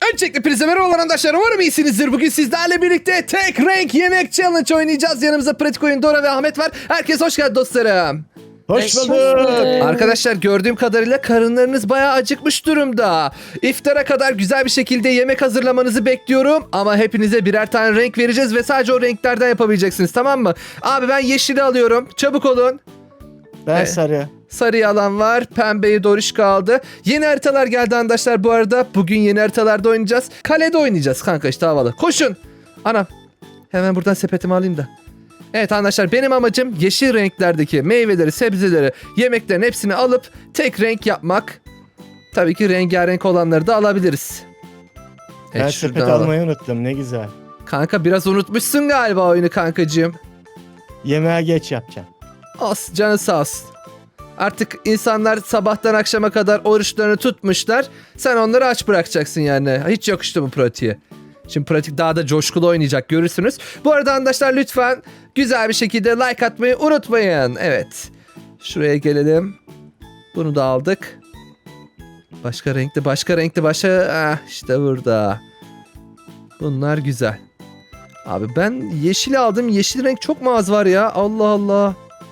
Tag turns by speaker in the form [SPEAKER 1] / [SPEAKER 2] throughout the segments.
[SPEAKER 1] Öncelikle hepinize merhabalar arkadaşlar. Umarım iyisinizdir. Bugün sizlerle birlikte tek renk yemek challenge oynayacağız. Yanımızda pratik oyun Dora ve Ahmet var. Herkes hoş geldin dostlarım.
[SPEAKER 2] Hoş bulduk.
[SPEAKER 1] Arkadaşlar gördüğüm kadarıyla karınlarınız bayağı acıkmış durumda. İftara kadar güzel bir şekilde yemek hazırlamanızı bekliyorum. Ama hepinize birer tane renk vereceğiz ve sadece o renklerden yapabileceksiniz, tamam mı? Abi ben yeşili alıyorum. Çabuk olun.
[SPEAKER 2] Ben sarı.
[SPEAKER 1] Sarıyı alan var. Pembeyi Doriş kaldı. Yeni haritalar geldi arkadaşlar bu arada. Bugün yeni haritalarda oynayacağız. Kalede oynayacağız kanka, işte havalı. Koşun. Anam. Hemen buradan sepetimi alayım da. Evet arkadaşlar, benim amacım yeşil renklerdeki meyveleri, sebzeleri, yemeklerin hepsini alıp tek renk yapmak. Tabii ki rengarenk olanları da alabiliriz.
[SPEAKER 2] Ben
[SPEAKER 1] Evet,
[SPEAKER 2] sepet
[SPEAKER 1] şuradan alalım.
[SPEAKER 2] almayı unuttum, ne güzel.
[SPEAKER 1] Kanka biraz unutmuşsun galiba oyunu kankacığım.
[SPEAKER 2] Yemeğe geç yapacağım.
[SPEAKER 1] Olsun, canı sağ olsun. Artık insanlar sabahtan akşama kadar oruçlarını tutmuşlar. Sen onları aç bırakacaksın yani. Hiç yakıştı bu pratiğe. Şimdi pratik daha da coşkulu oynayacak, görürsünüz. Bu arada arkadaşlar lütfen güzel bir şekilde like atmayı unutmayın. Evet. Şuraya gelelim. Bunu da aldık. Başka renkli. İşte burada. Bunlar güzel. Abi ben yeşili aldım. Yeşil renk çok mu az var ya? Allah Allah.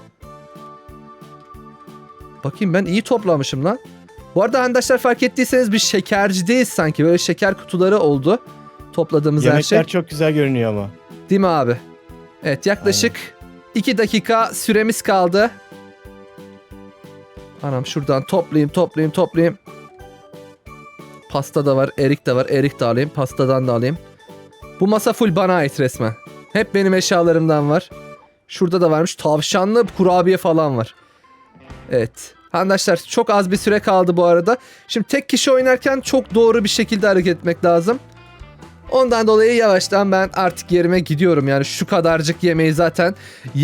[SPEAKER 1] Bakayım, ben iyi toplamışım lan. Bu arada arkadaşlar fark ettiyseniz bir şekercideyiz sanki. Böyle şeker kutuları oldu. Topladığımız her şey.
[SPEAKER 2] Yemekler çok güzel görünüyor ama.
[SPEAKER 1] Değil mi abi? Evet, yaklaşık 2 dakika süremiz kaldı. Anam, şuradan toplayayım. Pasta da var, erik de var. Erik de alayım, pastadan da alayım. Bu masa full bana ait resmen. Hep benim eşyalarımdan var. Şurada da varmış tavşanlı kurabiye falan var. Evet. Arkadaşlar çok az bir süre kaldı bu arada. Şimdi tek kişi oynarken çok doğru bir şekilde hareket etmek lazım. Ondan dolayı yavaştan ben artık yerime gidiyorum. Yani şu kadarcık yemeği zaten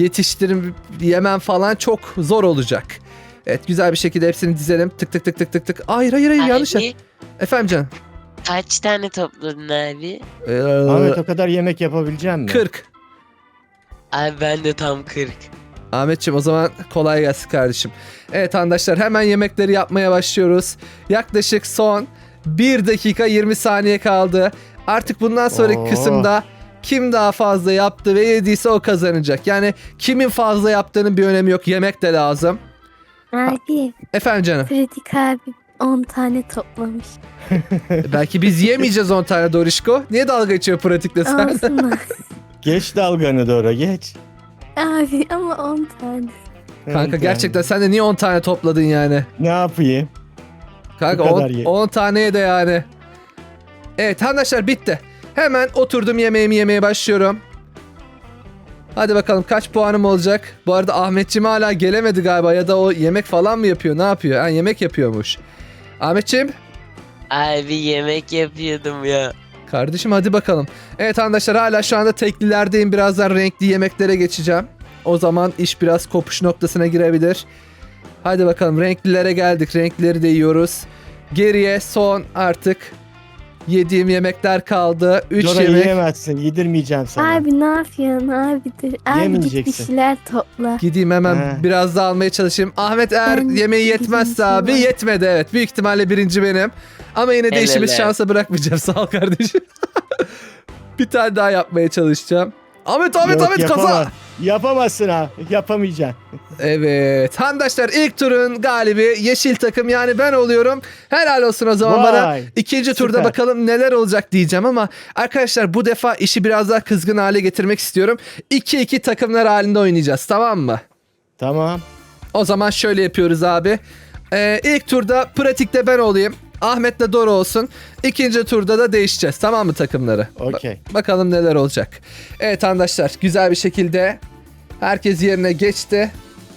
[SPEAKER 1] yemem falan çok zor olacak. Evet, güzel bir şekilde hepsini dizelim. Tık. Hayır yanlış.
[SPEAKER 3] Abi,
[SPEAKER 1] Efendim canım.
[SPEAKER 3] kaç tane topladın abi?
[SPEAKER 2] Ahmet, o kadar yemek yapabilecek misin?
[SPEAKER 1] 40.
[SPEAKER 3] Abi ben de tam 40.
[SPEAKER 1] Ahmetciğim, o zaman kolay gelsin kardeşim. Evet arkadaşlar, hemen yemekleri yapmaya başlıyoruz. Yaklaşık son 1 dakika 20 saniye kaldı. Artık bundan sonraki kısımda kim daha fazla yaptı ve yediyse o kazanacak. Yani kimin fazla yaptığının bir önemi yok. Yemek de lazım.
[SPEAKER 4] Abi,
[SPEAKER 1] Efendim canım.
[SPEAKER 4] Pratik abi 10 tane toplamış.
[SPEAKER 1] Belki biz yemeyeceğiz 10 tane Dorişko. Niye dalga geçiyor pratikle sen?
[SPEAKER 4] Olsun.
[SPEAKER 2] Geç dalganı doğru, geç.
[SPEAKER 4] Abi ama 10 tane.
[SPEAKER 1] Kanka
[SPEAKER 2] Evet,
[SPEAKER 1] gerçekten sen de niye 10 tane topladın yani?
[SPEAKER 2] Ne yapayım?
[SPEAKER 1] Kanka
[SPEAKER 2] Bu kadar ye.
[SPEAKER 1] 10 taneye de yani. Evet arkadaşlar, bitti. Hemen oturdum, yemeğimi yemeye başlıyorum. Hadi bakalım kaç puanım olacak. Bu arada Ahmetciğim hala gelemedi galiba, ya da o yemek falan mı yapıyor, ne yapıyor? Ha, yemek yapıyormuş. Ahmetciğim.
[SPEAKER 3] Abi yemek yapıyordum ya.
[SPEAKER 1] Kardeşim hadi bakalım. Evet arkadaşlar, hala şu anda teklilerdeyim. Birazdan renkli yemeklere geçeceğim. O zaman iş biraz kopuş noktasına girebilir. Hadi bakalım, renklilere geldik. Renkleri de yiyoruz. Geriye son artık yediğim yemekler kaldı. 3
[SPEAKER 2] Dora
[SPEAKER 1] yemek.
[SPEAKER 2] yiyemezsin, yedirmeyeceğim sana.
[SPEAKER 4] Abi ne yapıyorsun abi? Dur. Abi git bir
[SPEAKER 2] Yemeyeceksin.
[SPEAKER 4] şeyler topla.
[SPEAKER 1] Gideyim hemen
[SPEAKER 2] He.
[SPEAKER 1] biraz daha almaya çalışayım. Ahmet eğer
[SPEAKER 4] Ben
[SPEAKER 1] yemeği yetmezse
[SPEAKER 4] birinci
[SPEAKER 1] abi,
[SPEAKER 4] var.
[SPEAKER 1] yetmedi evet. Büyük ihtimalle birinci benim. Ama yine de
[SPEAKER 3] Helal
[SPEAKER 1] işimiz
[SPEAKER 3] olsun.
[SPEAKER 1] şansa bırakmayacağım. Sağ ol kardeşim. Bir tane daha yapmaya çalışacağım. Ahmet
[SPEAKER 2] Yok,
[SPEAKER 1] kaza.
[SPEAKER 2] yapamaz. Yapamazsın ha, yapamayacaksın.
[SPEAKER 1] Evet. Arkadaşlar ilk turun galibi yeşil takım, yani ben oluyorum. Helal olsun o zaman bana.
[SPEAKER 2] Vay,
[SPEAKER 1] İkinci turda
[SPEAKER 2] süper.
[SPEAKER 1] bakalım neler olacak diyeceğim ama arkadaşlar bu defa işi biraz daha kızgın hale getirmek istiyorum. 2-2 takımlar halinde oynayacağız, tamam mı?
[SPEAKER 2] Tamam.
[SPEAKER 1] O zaman şöyle yapıyoruz abi. İlk turda pratikte ben olayım. Ahmet'le Dora olsun. İkinci turda da değişeceğiz, tamam mı takımları?
[SPEAKER 2] Okey.
[SPEAKER 1] Bakalım neler olacak. Evet arkadaşlar, güzel bir şekilde herkes yerine geçti.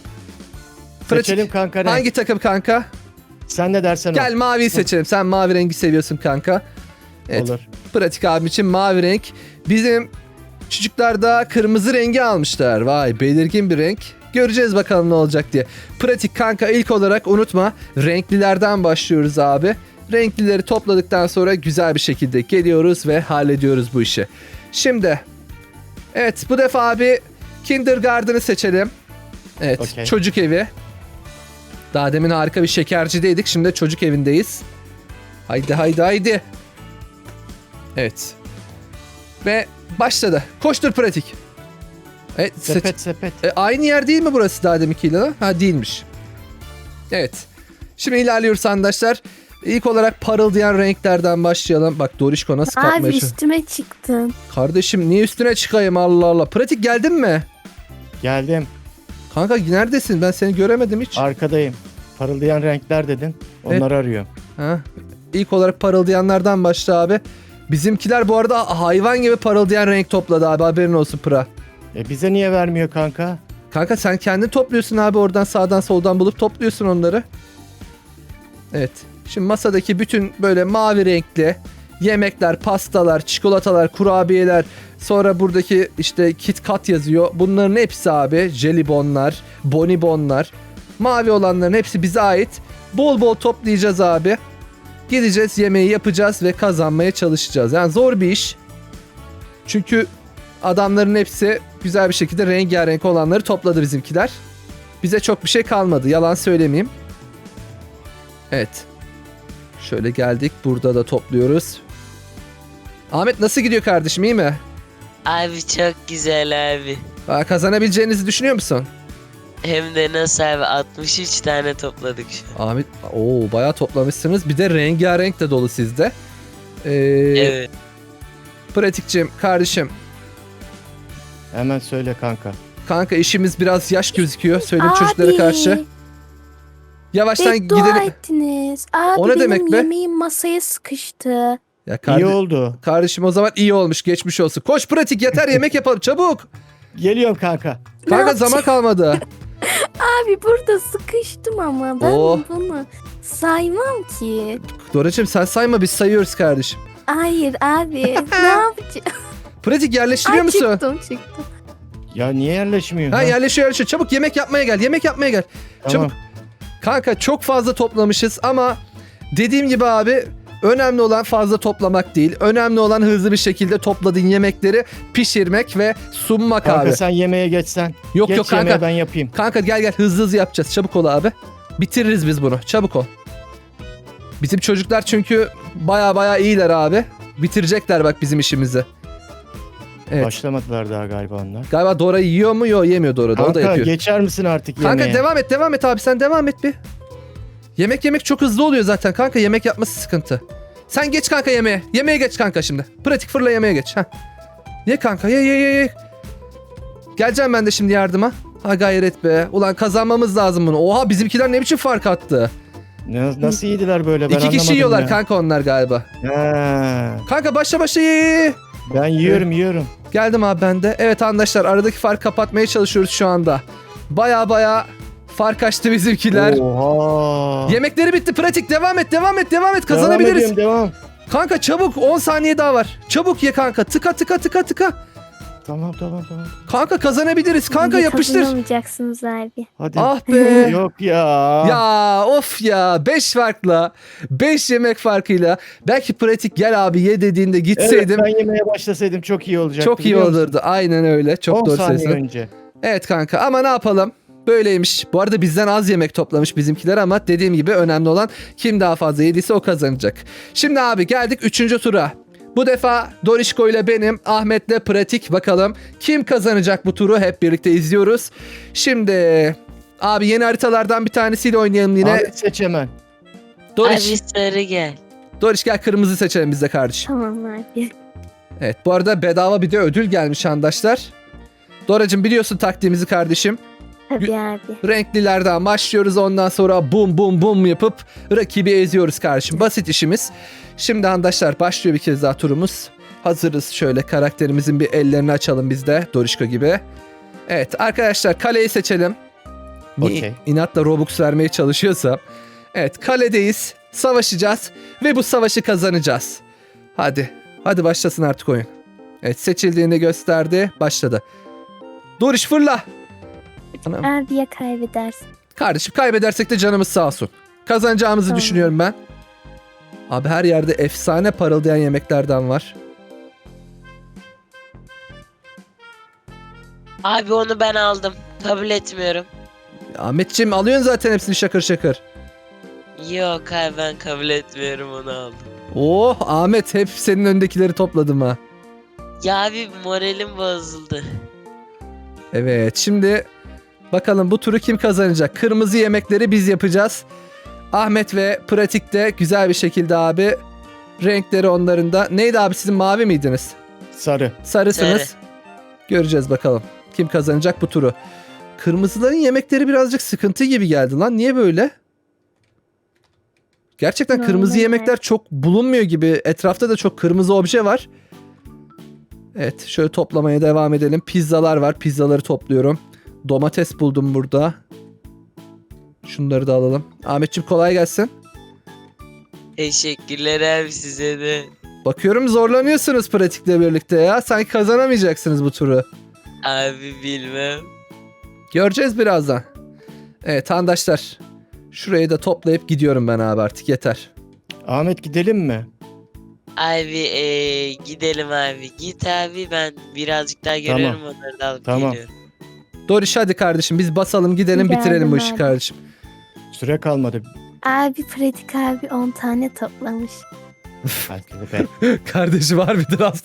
[SPEAKER 2] Seçelim kanka renk.
[SPEAKER 1] Hangi takım kanka?
[SPEAKER 2] Sen ne dersen o.
[SPEAKER 1] Gel maviyi seçelim. Sen mavi rengi seviyorsun kanka. Evet.
[SPEAKER 2] Olur.
[SPEAKER 1] Pratik abim için mavi renk. Bizim çocuklar da kırmızı rengi almışlar. Vay, belirgin bir renk. Göreceğiz bakalım ne olacak diye. Pratik kanka, ilk olarak unutma, renklilerden başlıyoruz abi. Renklileri topladıktan sonra güzel bir şekilde geliyoruz ve hallediyoruz bu işi. Şimdi evet, bu defa abi Kindergarten'ı seçelim. Evet,
[SPEAKER 2] Okey.
[SPEAKER 1] çocuk evi. Daha demin harika bir şekercideydik. Şimdi de çocuk evindeyiz. Haydi. Evet. Ve başladı. Koştur pratik. Evet,
[SPEAKER 2] Sepet.
[SPEAKER 1] aynı yer değil mi burası daha deminkiyle lan? Ha değilmiş. Evet. Şimdi ilerliyoruz arkadaşlar. İlk olarak parıldayan renklerden başlayalım. Bak Dorişko nasıl kalkmaya
[SPEAKER 4] Abi
[SPEAKER 1] çalışıyor.
[SPEAKER 4] üstüme çıktın.
[SPEAKER 1] Kardeşim niye üstüne çıkayım Allah Allah. Pratik geldin mi?
[SPEAKER 2] Geldim.
[SPEAKER 1] Kanka neredesin? Ben seni göremedim hiç.
[SPEAKER 2] Arkadayım. Parıldayan renkler dedin. Onları arıyorum.
[SPEAKER 1] Ha? İlk olarak parıldayanlardan başla abi. Bizimkiler bu arada hayvan gibi parıldayan renk topladı abi, haberin olsun Pra.
[SPEAKER 2] Bize niye vermiyor kanka?
[SPEAKER 1] Kanka sen kendin topluyorsun abi, oradan sağdan soldan bulup topluyorsun onları. Evet. Şimdi masadaki bütün böyle mavi renkli yemekler, pastalar, çikolatalar, kurabiyeler, sonra buradaki işte KitKat yazıyor. Bunların hepsi abi jelibonlar, bonibonlar. Mavi olanların hepsi bize ait. Bol bol toplayacağız abi. Gideceğiz, yemeği yapacağız ve kazanmaya çalışacağız. Yani zor bir iş. Çünkü adamların hepsi güzel bir şekilde rengarenk olanları topladı bizimkiler. Bize çok bir şey kalmadı, yalan söylemeyeyim. Evet. Şöyle geldik, burada da topluyoruz. Ahmet nasıl gidiyor kardeşim, iyi mi?
[SPEAKER 3] Abi çok güzel abi.
[SPEAKER 1] Kazanabileceğinizi düşünüyor musun?
[SPEAKER 3] Hem de nasıl abi 63 tane topladık şu an.
[SPEAKER 1] Ahmet bayağı toplamışsınız. Bir de rengarenk de dolu sizde.
[SPEAKER 3] Evet.
[SPEAKER 1] Pratikçim kardeşim.
[SPEAKER 2] Hemen söyle kanka.
[SPEAKER 1] Kanka işimiz biraz yaş gözüküyor. Söyle
[SPEAKER 4] Abi.
[SPEAKER 1] çocuklara karşı. Yavaştan
[SPEAKER 4] Beddua
[SPEAKER 1] gidelim.
[SPEAKER 4] ettiniz. Abi
[SPEAKER 1] O ne demek
[SPEAKER 4] benim
[SPEAKER 1] be?
[SPEAKER 4] yemeğim masaya sıkıştı.
[SPEAKER 1] Ya
[SPEAKER 2] İyi oldu.
[SPEAKER 1] kardeşim o zaman iyi olmuş, geçmiş olsun. Koş pratik, yeter yemek yapalım çabuk.
[SPEAKER 2] Geliyorum kanka.
[SPEAKER 1] Kanka
[SPEAKER 4] yapacağım?
[SPEAKER 1] zaman kalmadı.
[SPEAKER 4] Abi burada sıkıştım ama ben
[SPEAKER 1] Oh.
[SPEAKER 4] bunu saymam ki.
[SPEAKER 1] Doracığım sen sayma, biz sayıyoruz kardeşim.
[SPEAKER 4] Hayır abi ne yapacağım?
[SPEAKER 1] Pratik yerleştiriyor
[SPEAKER 4] Ay,
[SPEAKER 1] musun?
[SPEAKER 4] çıktım.
[SPEAKER 2] Ya niye yerleşmiyor?
[SPEAKER 1] Ha yerleşiyor. Çabuk yemek yapmaya gel. Yemek yapmaya gel.
[SPEAKER 2] Tamam.
[SPEAKER 1] Çabuk. Kanka çok fazla toplamışız ama dediğim gibi abi, önemli olan fazla toplamak değil. Önemli olan hızlı bir şekilde topladığın yemekleri pişirmek ve sunmak
[SPEAKER 2] Kanka
[SPEAKER 1] abi.
[SPEAKER 2] sen yemeğe geçsen.
[SPEAKER 1] Yok
[SPEAKER 2] Geç
[SPEAKER 1] yok kanka.
[SPEAKER 2] yemeğe, ben yapayım.
[SPEAKER 1] Kanka gel hızlı hızlı yapacağız. Çabuk ol abi. Bitiririz biz bunu. Çabuk ol. Bizim çocuklar çünkü baya iyiler abi. Bitirecekler bak bizim işimizi. Evet.
[SPEAKER 2] Başlamadılar daha galiba onlar.
[SPEAKER 1] Galiba Dora yiyor mu? Yok, yemiyor Dora da. O da
[SPEAKER 2] Kanka
[SPEAKER 1] yapıyor.
[SPEAKER 2] geçer misin artık
[SPEAKER 1] Kanka
[SPEAKER 2] yemeğe?
[SPEAKER 1] devam et abi, sen devam et bir. Yemek çok hızlı oluyor zaten kanka, yemek yapması sıkıntı. Sen geç kanka yemeğe. Yemeğe geç kanka şimdi. Pratik fırla yemeğe geç. Heh. Ye kanka ye. Geleceğim ben de şimdi yardıma. Ha gayret be. Ulan kazanmamız lazım bunu. Oha bizimkiler ne biçim fark attı.
[SPEAKER 2] Nasıl yediler böyle, ben
[SPEAKER 1] 2 kişi
[SPEAKER 2] anlamadım
[SPEAKER 1] yiyorlar
[SPEAKER 2] ya.
[SPEAKER 1] kanka onlar galiba.
[SPEAKER 2] Ha,
[SPEAKER 1] Kanka başla ye.
[SPEAKER 2] ben yiyorum.
[SPEAKER 1] Geldim abi ben de. Evet arkadaşlar, aradaki fark kapatmaya çalışıyoruz şu anda. Baya fark açtı bizimkiler.
[SPEAKER 2] Oha.
[SPEAKER 1] Yemekleri bitti. Pratik devam et kazanabiliriz.
[SPEAKER 2] Devam.
[SPEAKER 1] Kanka çabuk, 10 saniye daha var. Çabuk ye kanka. Tıka.
[SPEAKER 2] Tamam.
[SPEAKER 1] Kanka kazanabiliriz. Kanka
[SPEAKER 4] Niye
[SPEAKER 1] yapıştır.
[SPEAKER 4] kazanamayacaksınız abi.
[SPEAKER 2] Hadi.
[SPEAKER 1] Ah be.
[SPEAKER 2] Yok ya.
[SPEAKER 1] Ya of ya. 5 farkla. 5 yemek farkıyla. Belki pratik gel abi ye dediğinde
[SPEAKER 2] Evet,
[SPEAKER 1] gitseydim.
[SPEAKER 2] ben yemeye başlasaydım çok iyi olacaktı.
[SPEAKER 1] Çok iyi
[SPEAKER 2] biliyor musun?
[SPEAKER 1] olurdu. Aynen öyle. Çok
[SPEAKER 2] 10
[SPEAKER 1] doğru
[SPEAKER 2] saniye
[SPEAKER 1] söylüyorsun.
[SPEAKER 2] önce.
[SPEAKER 1] Evet kanka ama ne yapalım? Böyleymiş. Bu arada bizden az yemek toplamış bizimkiler ama dediğim gibi önemli olan kim daha fazla yediyse o kazanacak. Şimdi abi geldik 3. tura. Bu defa Dorişko ile benim, Ahmet'le pratik, bakalım kim kazanacak bu turu, hep birlikte izliyoruz. Şimdi abi yeni haritalardan bir tanesiyle oynayalım yine.
[SPEAKER 2] Abi seç hemen.
[SPEAKER 1] Doriş,
[SPEAKER 3] Abi sarı gel.
[SPEAKER 1] Doriş gel kırmızı seçelim biz de kardeşim.
[SPEAKER 4] Tamam abi.
[SPEAKER 1] Evet bu arada bedava bir de ödül gelmiş arkadaşlar. Doracığım biliyorsun taktiğimizi kardeşim.
[SPEAKER 4] Tabii abi.
[SPEAKER 1] Renklilerden başlıyoruz, ondan sonra bum yapıp rakibi eziyoruz kardeşim. Basit işimiz. Şimdi arkadaşlar başlıyor bir kez daha turumuz. Hazırız, şöyle karakterimizin bir ellerini açalım biz de Dorişko gibi. Evet arkadaşlar kaleyi seçelim. Niye
[SPEAKER 2] Okey.
[SPEAKER 1] inatla Robux vermeye çalışıyorsam. Evet kaledeyiz, savaşacağız ve bu savaşı kazanacağız. Hadi başlasın artık oyun. Evet seçildiğini gösterdi, başladı. Doriş fırla. Anam.
[SPEAKER 4] Abi ya kaybedersin.
[SPEAKER 1] Kardeşim kaybedersek de canımız sağ olsun. Kazanacağımızı
[SPEAKER 4] Tamam.
[SPEAKER 1] düşünüyorum ben. Abi her yerde efsane parıldayan yemeklerden var.
[SPEAKER 3] Abi onu ben aldım. Kabul etmiyorum.
[SPEAKER 1] Ahmetciğim alıyorsun zaten hepsini şakır şakır.
[SPEAKER 3] Yok abi ben kabul etmiyorum, onu aldım.
[SPEAKER 1] Oh Ahmet, hep senin öndekileri topladım ha.
[SPEAKER 3] Ya abi moralim bozuldu.
[SPEAKER 1] Evet, şimdi bakalım bu turu kim kazanacak? Kırmızı yemekleri biz yapacağız. Ahmet ve Pratik'te güzel bir şekilde abi. Renkleri onların da. Neydi abi, sizin mavi miydiniz?
[SPEAKER 2] Sarı.
[SPEAKER 1] Sarısınız.
[SPEAKER 3] Sarı.
[SPEAKER 1] Göreceğiz bakalım. Kim kazanacak bu turu? Kırmızıların yemekleri birazcık sıkıntı gibi geldi lan. Niye böyle? Gerçekten kırmızı
[SPEAKER 4] Normal.
[SPEAKER 1] yemekler çok bulunmuyor gibi. Etrafta da çok kırmızı obje var. Evet, şöyle toplamaya devam edelim. Pizzalar var. Pizzaları topluyorum. Domates buldum burada. Şunları da alalım. Ahmetciğim kolay gelsin.
[SPEAKER 3] Teşekkürler abi, size de.
[SPEAKER 1] Bakıyorum zorlanıyorsunuz pratikle birlikte ya. Sanki kazanamayacaksınız bu turu.
[SPEAKER 3] Abi bilmem. göreceğiz
[SPEAKER 1] birazdan. Evet arkadaşlar. Şurayı da toplayıp gidiyorum ben abi, artık yeter.
[SPEAKER 2] Ahmet gidelim mi?
[SPEAKER 3] Abi gidelim abi. Git abi, ben birazcık daha görüyorum, onları da alıp
[SPEAKER 2] Tamam.
[SPEAKER 3] geliyorum.
[SPEAKER 1] Doriş hadi kardeşim, biz basalım gidelim,
[SPEAKER 4] Geldim
[SPEAKER 1] bitirelim bu işi
[SPEAKER 4] abi.
[SPEAKER 1] kardeşim.
[SPEAKER 2] Süre kalmadı.
[SPEAKER 4] Abi pratik abi 10 tane toplamış.
[SPEAKER 2] Belki de ben.
[SPEAKER 1] Kardeşim harbiden az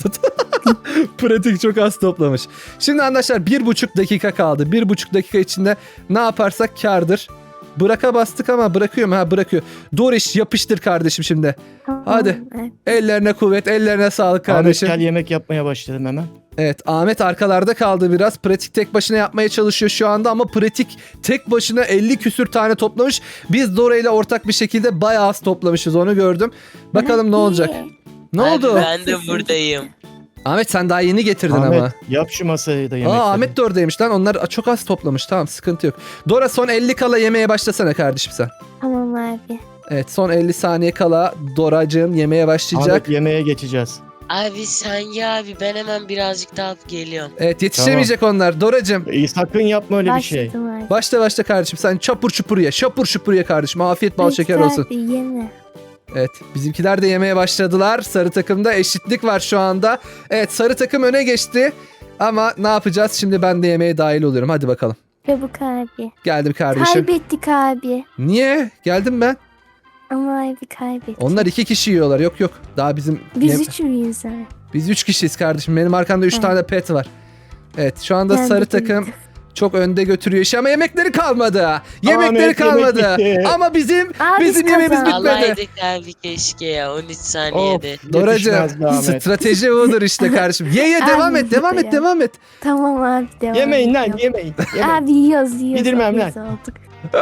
[SPEAKER 1] Pratik çok az toplamış. Şimdi arkadaşlar 1,5 dakika kaldı. 1,5 dakika içinde ne yaparsak kârdır. Bıraka bastık ama bırakıyor mu? Ha, bırakıyor. Doriş yapıştır kardeşim şimdi.
[SPEAKER 4] Tamam,
[SPEAKER 1] Hadi.
[SPEAKER 4] evet.
[SPEAKER 1] Ellerine kuvvet, ellerine sağlık
[SPEAKER 2] Ahmet
[SPEAKER 1] kardeşim.
[SPEAKER 2] gel, yemek yapmaya başladım hemen.
[SPEAKER 1] Evet, Ahmet arkalarda kaldı biraz. Pratik tek başına yapmaya çalışıyor şu anda ama Pratik tek başına 50 küsür tane toplamış. Biz Dora ile ortak bir şekilde bayağı az toplamışız, onu gördüm. Bakalım ne olacak. Ne
[SPEAKER 3] Abi
[SPEAKER 1] oldu?
[SPEAKER 3] ben de buradayım.
[SPEAKER 1] Ahmet sen daha yeni getirdin
[SPEAKER 2] Ahmet
[SPEAKER 1] ama.
[SPEAKER 2] yap şu masayı da yemekleri.
[SPEAKER 1] Ahmet de oradaymış lan. Onlar çok az toplamış. Tamam, sıkıntı yok. Dora son 50 kala yemeye başlasana kardeşim sen.
[SPEAKER 4] Tamam abi.
[SPEAKER 1] Evet, son 50 saniye kala Doracığım yemeye başlayacak.
[SPEAKER 2] Ahmet yemeğe geçeceğiz.
[SPEAKER 3] Abi sen ya abi, ben hemen birazcık daha alıp geliyorum.
[SPEAKER 1] Evet, yetişemeyecek onlar. Doracığım
[SPEAKER 2] Sakın yapma öyle bir şey.
[SPEAKER 4] Başladım abi.
[SPEAKER 1] başla kardeşim. Sen çapur çupur ye. Şapur şupur ye kardeşim. Afiyet bal
[SPEAKER 4] Pratik
[SPEAKER 1] şeker olsun.
[SPEAKER 4] abi yeme.
[SPEAKER 1] Evet, bizimkiler de yemeye başladılar. Sarı takımda eşitlik var şu anda. Evet, sarı takım öne geçti. Ama ne yapacağız? Şimdi ben de yemeğe dahil oluyorum. Hadi bakalım.
[SPEAKER 4] Çabuk abi.
[SPEAKER 1] Geldim kardeşim.
[SPEAKER 4] Kaybettik abi.
[SPEAKER 1] Niye? Geldim ben.
[SPEAKER 4] Ama abi kaybettik.
[SPEAKER 1] Onlar 2 kişi yiyorlar. Yok yok. Daha bizim...
[SPEAKER 4] Biz 3 müyüz abi?
[SPEAKER 1] Biz 3 kişiyiz kardeşim. Benim arkamda 3
[SPEAKER 4] Evet.
[SPEAKER 1] tane pet var. Evet, şu anda
[SPEAKER 4] Ben
[SPEAKER 1] sarı
[SPEAKER 4] de
[SPEAKER 1] takım
[SPEAKER 4] bildim.
[SPEAKER 1] çok önde götürüyor işi ama yemekleri kalmadı. Yemekleri
[SPEAKER 2] Ahmet,
[SPEAKER 1] kalmadı.
[SPEAKER 2] yemek bitti.
[SPEAKER 1] Ama bizim
[SPEAKER 4] Abi
[SPEAKER 1] bizim
[SPEAKER 4] biz
[SPEAKER 1] yemeğimiz
[SPEAKER 4] kazandık.
[SPEAKER 1] bitmedi.
[SPEAKER 3] Alaydık abi keşke ya, 13 saniyede.
[SPEAKER 1] Doracığım,
[SPEAKER 2] Yetişmez be Ahmet.
[SPEAKER 1] strateji budur işte kardeşim. Ye devam
[SPEAKER 4] Abi
[SPEAKER 1] et, devam et,
[SPEAKER 4] ya.
[SPEAKER 1] devam et.
[SPEAKER 4] Tamam abi devam
[SPEAKER 2] Yemeyin lan,
[SPEAKER 4] ediyorum.
[SPEAKER 2] yemeyin. Yemeyin.
[SPEAKER 4] Abi yiyoruz.
[SPEAKER 2] Yedirmem
[SPEAKER 4] Biz olduk.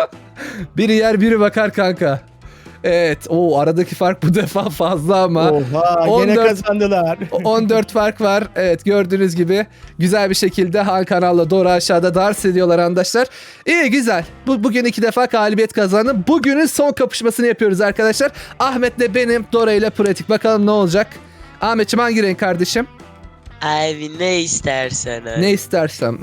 [SPEAKER 1] Biri yer, biri bakar kanka. Evet, o aradaki fark bu defa fazla ama.
[SPEAKER 2] Oha,
[SPEAKER 1] 14
[SPEAKER 2] gene kazandılar.
[SPEAKER 1] 14 fark var. Evet, gördüğünüz gibi güzel bir şekilde Han kanalla Dora aşağıda dans ediyorlar arkadaşlar. İyi, güzel. Bugün 2 defa galibiyet kazandım. Bugünün son kapışmasını yapıyoruz arkadaşlar. Ahmet'le benim, Dora ile Pratik. Bakalım ne olacak. Ahmetciğim hangi renk kardeşim?
[SPEAKER 3] Abi ne istersen abi.
[SPEAKER 1] Ne istersem.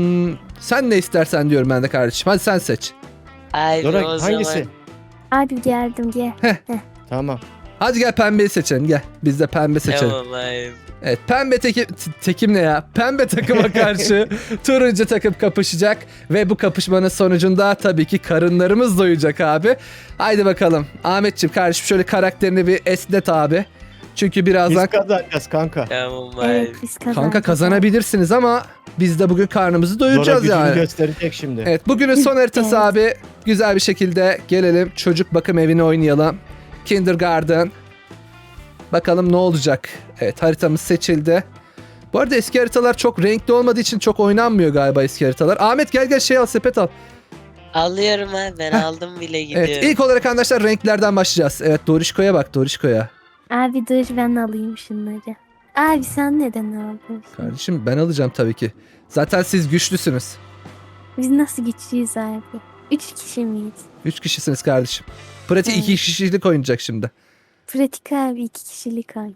[SPEAKER 1] Sen ne istersen diyorum ben de kardeşim. Hadi sen seç.
[SPEAKER 3] Abi
[SPEAKER 2] Dora
[SPEAKER 3] o
[SPEAKER 2] hangisi?
[SPEAKER 3] zaman
[SPEAKER 4] Abi geldim gel.
[SPEAKER 2] Tamam.
[SPEAKER 1] Hadi gel pembeyi seçelim, gel. Biz de pembe seçelim.
[SPEAKER 3] tamam abi.
[SPEAKER 1] Evet, pembe tekim ne ya? Pembe takıma karşı turuncu takım kapışacak ve bu kapışmanın sonucunda tabii ki karınlarımız doyacak abi. Haydi bakalım. Ahmetciğim kardeşim şöyle karakterini bir esnet abi. Çünkü birazdan
[SPEAKER 2] Biz kazanacağız kanka.
[SPEAKER 3] Tamam abi.
[SPEAKER 4] Evet biz kazandık.
[SPEAKER 1] kanka kazanabilirsiniz ama biz de bugün karnımızı
[SPEAKER 2] Dora
[SPEAKER 1] doyuracağız
[SPEAKER 2] gücünü
[SPEAKER 1] yani.
[SPEAKER 2] gösterecek şimdi.
[SPEAKER 1] Evet, bugünün son haritası
[SPEAKER 4] Evet.
[SPEAKER 1] abi. Güzel bir şekilde gelelim. Çocuk bakım evini oynayalım. Kindergarten. Bakalım ne olacak. Evet, haritamız seçildi. Bu arada eski haritalar çok renkli olmadığı için çok oynanmıyor galiba eski haritalar. Ahmet gel şey al, sepet al.
[SPEAKER 3] Alıyorum abi, ben aldım bile, gidiyorum.
[SPEAKER 1] Evet, ilk olarak arkadaşlar renklerden başlayacağız. Evet, Dorişko'ya bak, Dorişko'ya.
[SPEAKER 4] Abi dur ben alayım şunları. Abi sen neden aldın?
[SPEAKER 1] Kardeşim ben alacağım tabii ki. Zaten siz güçlüsünüz.
[SPEAKER 4] Biz nasıl güçlüyüz abi? 3 kişi miyiz?
[SPEAKER 1] 3 kişisiniz kardeşim. Pratik
[SPEAKER 4] Evet.
[SPEAKER 1] 2 kişilik oynayacak şimdi.
[SPEAKER 4] Pratik abi 2 kişilik oyun.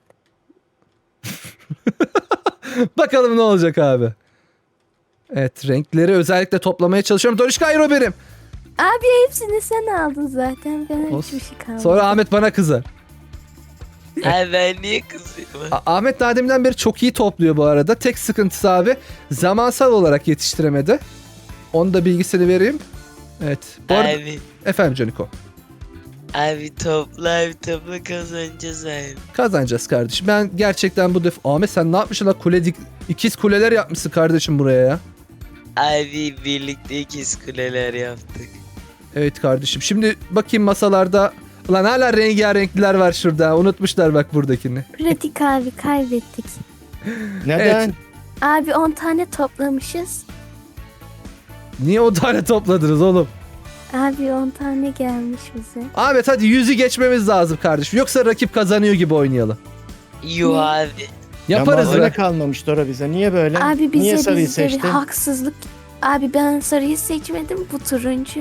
[SPEAKER 1] Bakalım ne olacak abi. Evet, renkleri özellikle toplamaya çalışıyorum. Dorişko hayır, o benim.
[SPEAKER 4] Abi hepsini sen aldın zaten. Ben
[SPEAKER 1] Olsun.
[SPEAKER 4] hiçbir şey kalmadı.
[SPEAKER 1] Sonra Ahmet bana kızar.
[SPEAKER 3] Abi ben niye kızıyorum?
[SPEAKER 1] Ahmet daha deminden beri çok iyi topluyor bu arada. Tek sıkıntısı abi zamansal olarak yetiştiremedi. Onu da bilgisini vereyim. Evet. Bu arada...
[SPEAKER 3] Abi,
[SPEAKER 1] Efendim Caniko.
[SPEAKER 3] Abi topla kazanacağız abi.
[SPEAKER 1] Kazanacağız kardeşim. Ben gerçekten bu defa... Ahmet sen ne yapmışsın la? İkiz kuleler yapmışsın kardeşim buraya ya.
[SPEAKER 3] Abi birlikte ikiz kuleler yaptık.
[SPEAKER 1] Evet kardeşim. Şimdi bakayım masalarda. Ulan hala rengarenkliler var şurada. Unutmuşlar bak buradakini.
[SPEAKER 4] Pratik abi kaybettik.
[SPEAKER 2] Neden?
[SPEAKER 1] Evet.
[SPEAKER 4] Abi 10 tane toplamışız.
[SPEAKER 1] Niye o tane topladınız oğlum?
[SPEAKER 4] Abi 10 tane gelmiş bize.
[SPEAKER 1] Ahmet hadi 100'ü geçmemiz lazım kardeşim. Yoksa rakip kazanıyor gibi oynayalım.
[SPEAKER 3] Yuh
[SPEAKER 4] Ne?
[SPEAKER 3] abi.
[SPEAKER 1] Yaparız
[SPEAKER 2] Ama
[SPEAKER 1] be.
[SPEAKER 2] öyle kalmamış Dora bize. Niye böyle?
[SPEAKER 4] Abi
[SPEAKER 2] Niye
[SPEAKER 4] bize
[SPEAKER 2] sarıyı
[SPEAKER 4] bizde bir
[SPEAKER 2] seçtin?
[SPEAKER 4] haksızlık. Abi ben sarıyı seçmedim, bu turuncu.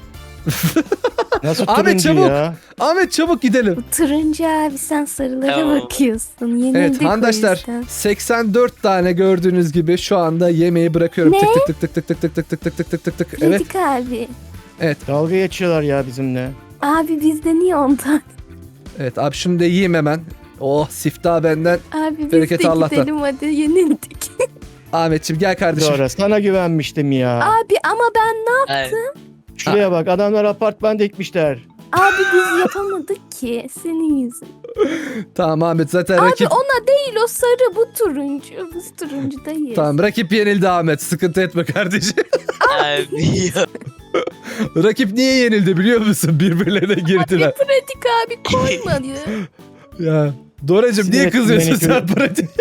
[SPEAKER 2] Nasıl
[SPEAKER 1] Ahmet,
[SPEAKER 2] turuncu
[SPEAKER 1] çabuk.
[SPEAKER 2] ya?
[SPEAKER 1] Ahmet çabuk gidelim.
[SPEAKER 4] Bu turuncu abi, sen sarılara
[SPEAKER 3] Tamam.
[SPEAKER 4] bakıyorsun. Yenildik
[SPEAKER 1] Evet
[SPEAKER 4] o
[SPEAKER 1] arkadaşlar
[SPEAKER 4] yüzden.
[SPEAKER 1] 84 tane gördüğünüz gibi şu anda yemeği bırakıyorum.
[SPEAKER 4] Ne?
[SPEAKER 1] Tık tık tık tık tık tık tık tık tık tık tık tık tık. Evet.
[SPEAKER 4] Pratik abi.
[SPEAKER 2] Dalga geçiyorlar ya bizimle.
[SPEAKER 4] Abi bizde niye 10 tane?
[SPEAKER 1] Evet abi şimdi de yiyeyim hemen. Oh siftah benden.
[SPEAKER 4] Abi biz
[SPEAKER 1] Bereketi
[SPEAKER 4] de
[SPEAKER 1] Allah'tan.
[SPEAKER 4] gidelim hadi, yenildik.
[SPEAKER 1] Ahmetciğim gel kardeşim.
[SPEAKER 2] Dora sana güvenmiştim ya.
[SPEAKER 4] Abi ama ben ne
[SPEAKER 3] Abi.
[SPEAKER 2] Şuraya bak, adamlar apartman dikmişler.
[SPEAKER 4] Abi biz yapamadık ki senin yüzün.
[SPEAKER 1] Tamam Ahmet zaten
[SPEAKER 4] Abi
[SPEAKER 1] rakip.
[SPEAKER 4] ona değil, o sarı, bu turuncu. Biz turuncudayız.
[SPEAKER 1] Tamam rakip yenildi Ahmet. Sıkıntı etme kardeşim.
[SPEAKER 3] Abi yok.
[SPEAKER 1] Rakip niye yenildi biliyor musun? Birbirlerine
[SPEAKER 4] Abi
[SPEAKER 1] girdiler.
[SPEAKER 4] pratik abi koymadı.
[SPEAKER 1] Ya Doracığım niye
[SPEAKER 2] Sinir
[SPEAKER 1] kızıyorsun
[SPEAKER 2] ettin
[SPEAKER 1] sen
[SPEAKER 2] beni.
[SPEAKER 1] pratik?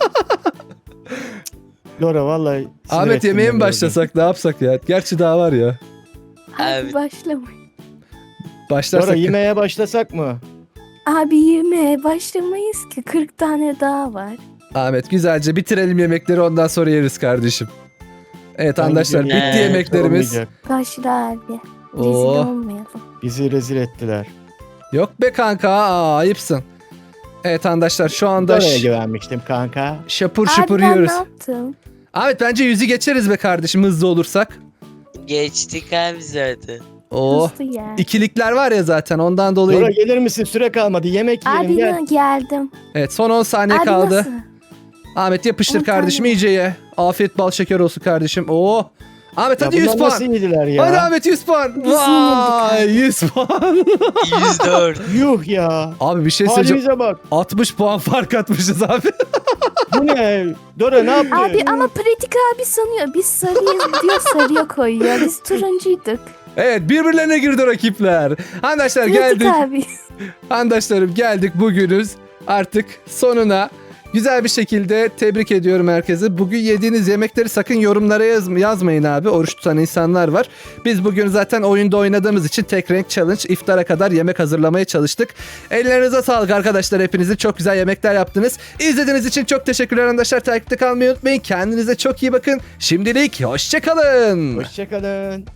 [SPEAKER 2] Dora vallahi sinir
[SPEAKER 1] Ahmet
[SPEAKER 2] ettin
[SPEAKER 1] yemeğe mi
[SPEAKER 2] beni
[SPEAKER 1] başlasak ne yapsak ya? Gerçi daha var ya.
[SPEAKER 4] Abi
[SPEAKER 3] Abi.
[SPEAKER 4] başlamayın.
[SPEAKER 1] Başlarsak.
[SPEAKER 2] Dora yemeğe başlasak mı?
[SPEAKER 4] Abi yemeğe başlamayız ki, 40 tane daha var.
[SPEAKER 1] Ahmet güzelce bitirelim yemekleri ondan sonra yeriz kardeşim. Evet
[SPEAKER 2] Ben
[SPEAKER 1] arkadaşlar
[SPEAKER 2] gidiyorum.
[SPEAKER 1] bitti yemeklerimiz.
[SPEAKER 2] Olmayacak.
[SPEAKER 4] Başla abi. Rezil
[SPEAKER 1] Oo.
[SPEAKER 4] olmayalım.
[SPEAKER 2] Bizi rezil ettiler.
[SPEAKER 1] Yok be kanka ayıpsın. Evet arkadaşlar şu anda
[SPEAKER 2] Dora'ya güvenmiştim kanka.
[SPEAKER 1] şapur
[SPEAKER 4] Abi
[SPEAKER 1] şapur
[SPEAKER 4] ben
[SPEAKER 1] yiyoruz.
[SPEAKER 4] ne yaptım?
[SPEAKER 1] Ahmet bence 100'ü geçeriz be kardeşim hızlı olursak.
[SPEAKER 3] Geçtik abi zaten.
[SPEAKER 1] Oh.
[SPEAKER 4] Hızlı ya.
[SPEAKER 1] İkilikler var ya zaten ondan dolayı.
[SPEAKER 2] Dora gelir misin? Süre kalmadı. Yemek yiyelim
[SPEAKER 4] Abi
[SPEAKER 2] gel.
[SPEAKER 4] geldim.
[SPEAKER 1] Evet son 10 saniye
[SPEAKER 4] Abi
[SPEAKER 1] kaldı.
[SPEAKER 4] nasıl?
[SPEAKER 1] Ahmet yapıştır
[SPEAKER 4] 10
[SPEAKER 1] kardeşim
[SPEAKER 4] tane.
[SPEAKER 1] iyice ye. Afiyet bal şeker olsun kardeşim. Oo. Ahmet
[SPEAKER 2] Ya
[SPEAKER 1] hadi 100
[SPEAKER 2] bunlar
[SPEAKER 1] puan.
[SPEAKER 2] nasıl yediler ya?
[SPEAKER 1] Hadi Ahmet 100 puan.
[SPEAKER 4] Biz
[SPEAKER 1] Vay
[SPEAKER 4] yenildik
[SPEAKER 1] 100 puan.
[SPEAKER 3] 104.
[SPEAKER 2] Yuh ya.
[SPEAKER 1] Abi bir şey söyleyeceğim.
[SPEAKER 2] Halimize bak.
[SPEAKER 1] 60 puan fark atmışız abi.
[SPEAKER 2] Bu ne? Dora ne yaptı?
[SPEAKER 4] Abi ama pratik abi sanıyor. Biz sarıyız diyor, sarıya koyuyor. Biz turuncuyduk.
[SPEAKER 1] Evet birbirlerine girdi rakipler. Arkadaşlar
[SPEAKER 4] Pratik
[SPEAKER 1] geldik.
[SPEAKER 4] abi.
[SPEAKER 1] Arkadaşlarım geldik bugünüz artık sonuna. Güzel bir şekilde tebrik ediyorum herkese. Bugün yediğiniz yemekleri sakın yorumlara yazmayın abi. Oruç tutan insanlar var. Biz bugün zaten oyunda oynadığımız için tek renk challenge iftara kadar yemek hazırlamaya çalıştık. Ellerinize sağlık arkadaşlar hepinizin. Çok güzel yemekler yaptınız. İzlediğiniz için çok teşekkürler arkadaşlar. Takipte kalmayı unutmayın. Kendinize çok iyi bakın. Şimdilik hoşça kalın.
[SPEAKER 2] Hoşçakalın.